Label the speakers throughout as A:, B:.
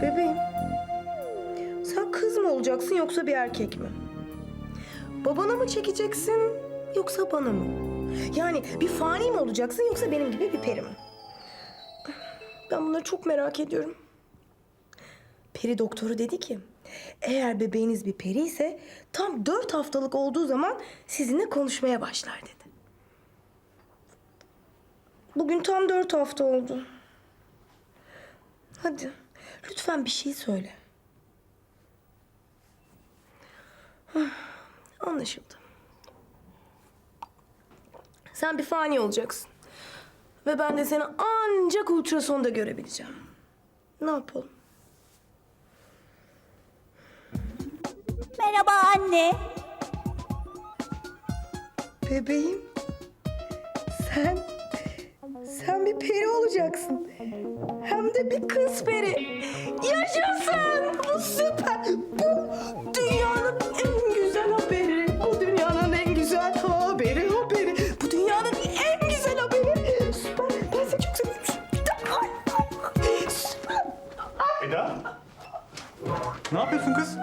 A: Bebeğim, sen kız mı olacaksın yoksa bir erkek mi? Babana mı çekeceksin yoksa bana mı? Yani bir fani mi olacaksın yoksa benim gibi bir peri mi? Ben bunları çok merak ediyorum. Peri doktoru dedi ki, eğer bebeğiniz bir peri ise tam 4 haftalık olduğu zaman sizinle konuşmaya başlar dedi. Bugün tam 4 hafta oldu. Hadi lütfen bir şey söyle. Anlaşıldı. Sen bir fani olacaksın. Ve ben de seni ancak ultrasonda görebileceğim. Ne yapalım?
B: Merhaba anne.
A: Bebeğim. Sen bir peri olacaksın. Hem de bir kız peri. Yaşasın! Bu süper! Bu dünyanın en güzel haberi. Bu dünyanın en güzel haberi. Bu dünyanın en güzel haberi. Süper! Ben seni çok seviyorum. Süper!
C: Eda? Ne yapıyorsun kız?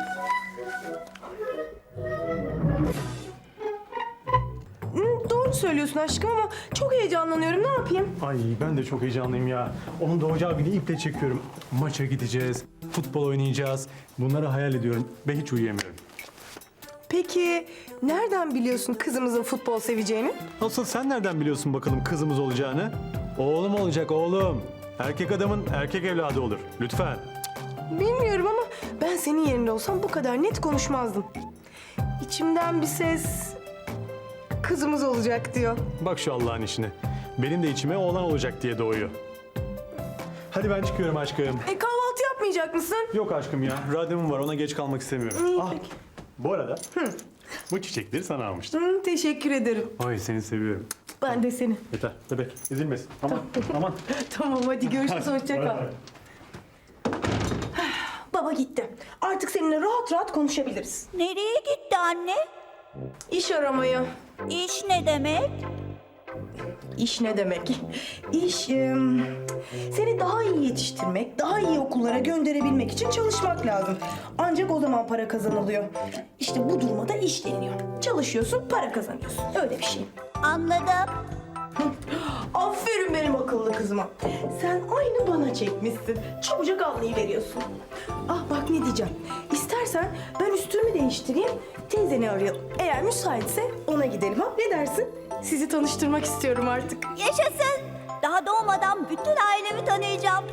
A: Doğru söylüyorsun aşkım ama çok heyecanlanıyorum. Ne yapayım?
C: Ay ben de çok heyecanlıyım ya. Onun doğacağı günü iple çekiyorum. Maça gideceğiz, futbol oynayacağız. Bunları hayal ediyorum ve hiç uyuyamıyorum.
A: Peki nereden biliyorsun kızımızın futbol seveceğini?
C: Asıl sen nereden biliyorsun bakalım kızımız olacağını? Oğlum olacak oğlum. Erkek adamın erkek evladı olur. Lütfen.
A: Bilmiyorum ama ben senin yerinde olsam bu kadar net konuşmazdım. İçimden bir ses kızımız olacak diyor.
C: Bak şu Allah'ın işine. Benim de içime oğlan olacak diye doğuyor. Hadi ben çıkıyorum aşkım.
A: Kahvaltı yapmayacak mısın?
C: Yok aşkım ya. Randevum var. Ona geç kalmak istemiyorum.
A: İyi, peki.
C: Bu arada bu çiçekleri sana almıştım.
A: Teşekkür ederim.
C: Ay seni seviyorum.
A: Ben de seni.
C: Yeter bebek ezilmesin. Aman aman.
A: Tamam hadi görüşürüz. Hoşça kal. Baba gitti. Artık seninle rahat rahat konuşabiliriz.
B: Nereye gitti anne?
A: İş aramaya.
B: İş ne demek?
A: İş ne demek? İş, seni daha iyi yetiştirmek, daha iyi okullara gönderebilmek için çalışmak lazım. Ancak o zaman para kazanılıyor. İşte bu duruma da iş deniyor. Çalışıyorsun, para kazanıyorsun. Öyle bir şey.
B: Anladım.
A: Aferin benim akıllı kızıma. Sen aynı bana çekmişsin. Çabucak anlayıveriyorsun. Ah bak ne diyeceğim. İstersen ben üstümü değiştireyim, teyzeni arayalım. Eğer müsaitse ona gidelim ha. Ne dersin? Sizi tanıştırmak istiyorum artık.
B: Yaşasın. Daha doğmadan bütün ailemi tanıyacağım.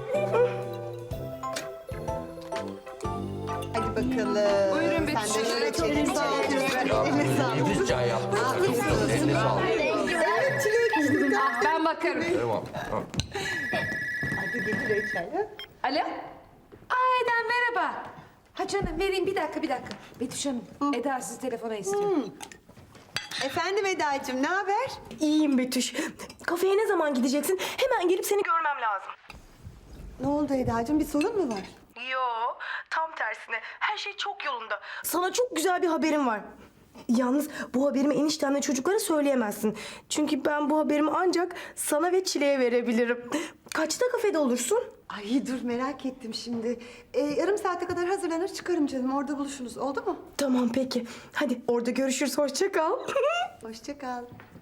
D: Hadi bakalım.
E: Buyurun
D: Sen de
E: Betüş.
D: şöyle çekin. Sağ ol kızlar. Eline sağlık.
F: Nefis çay yaptın. Çok güzel. Eline sağlık.
D: Evet çilek.
E: Ben bakarım.
F: Tamam.
D: Hadi getir çay. ha?
E: Alo? Aydan merhaba. Ha canım vereyim bir dakika. Betüş Hanım, Eda sizi telefona istiyor.
D: Efendim Eda'cığım ne haber?
A: İyiyim Betüş. Kafeye ne zaman gideceksin? Hemen gelip seni görmem lazım.
D: Ne oldu Eda'cığım bir sorun mu var?
A: Yo, tam tersine. Her şey çok yolunda. Sana çok güzel bir haberim var. Yalnız bu haberimi eniştemle çocuklara söyleyemezsin. Çünkü ben bu haberimi ancak sana ve Çile'ye verebilirim. Kaçta kafede olursun?
D: Ay dur merak ettim şimdi. Yarım saate kadar hazırlanır çıkarım canım. Orada buluşuruz oldu mu?
A: Tamam peki. Hadi orada görüşürüz. Hoşça kal.
D: Hoşça kal.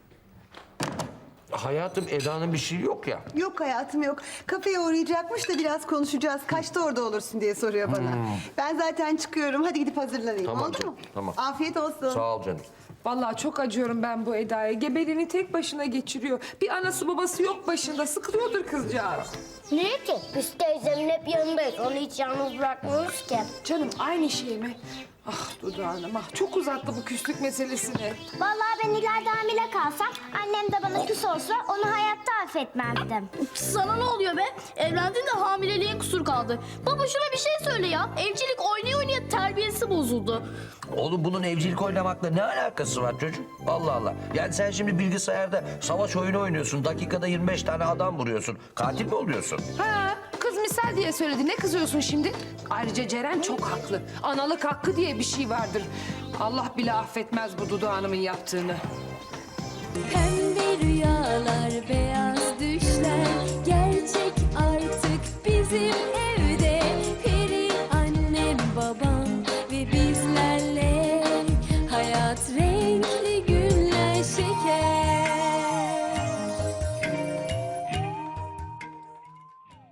F: Hayatım Eda'nın bir şey yok ya.
D: Yok hayatım yok. Kafeye uğrayacakmış da biraz konuşacağız. Kaçta orada olursun diye soruyor bana. Ben zaten çıkıyorum. Hadi gidip hazırlanayım.
F: Tamam
D: oldu
F: canım,
D: mu?
F: tamam.
D: Afiyet olsun.
F: Sağ ol canım.
E: Vallahi çok acıyorum ben bu Eda'ya. Gebeliğini tek başına geçiriyor. Bir anası babası yok başında. Sıkılıyordur kızcağız.
G: Niye ki? Biz teyzemin hep yanındayız. Onu hiç yalnız bırakmıyoruz ki.
E: Canım aynı şey mi? Ah dudağım ah çok uzattı bu küslük meselesini.
G: Vallahi ben ileride hamile kalsam, annem de bana küs olsa onu hayatta affetmezdim.
H: Sana ne oluyor be? Evlendin de hamileliğin kusur kaldı. Baba şuna bir şey söyle ya. Evcilik oynaya oynaya terbiyesi bozuldu.
F: Oğlum bunun evcilik oynamakla ne alakası var çocuk? Allah Allah. Yani sen şimdi bilgisayarda savaş oyunu oynuyorsun. Dakikada 25 tane adam vuruyorsun. Katil mi oluyorsun?
E: Ha, kız misal diye söyledi. Ne kızıyorsun şimdi? Ayrıca Ceren çok haklı. Analık hakkı diye bir şey vardır. Allah bile affetmez bu Dudu Hanım'ın yaptığını.
B: Pembe rüyalar, beyaz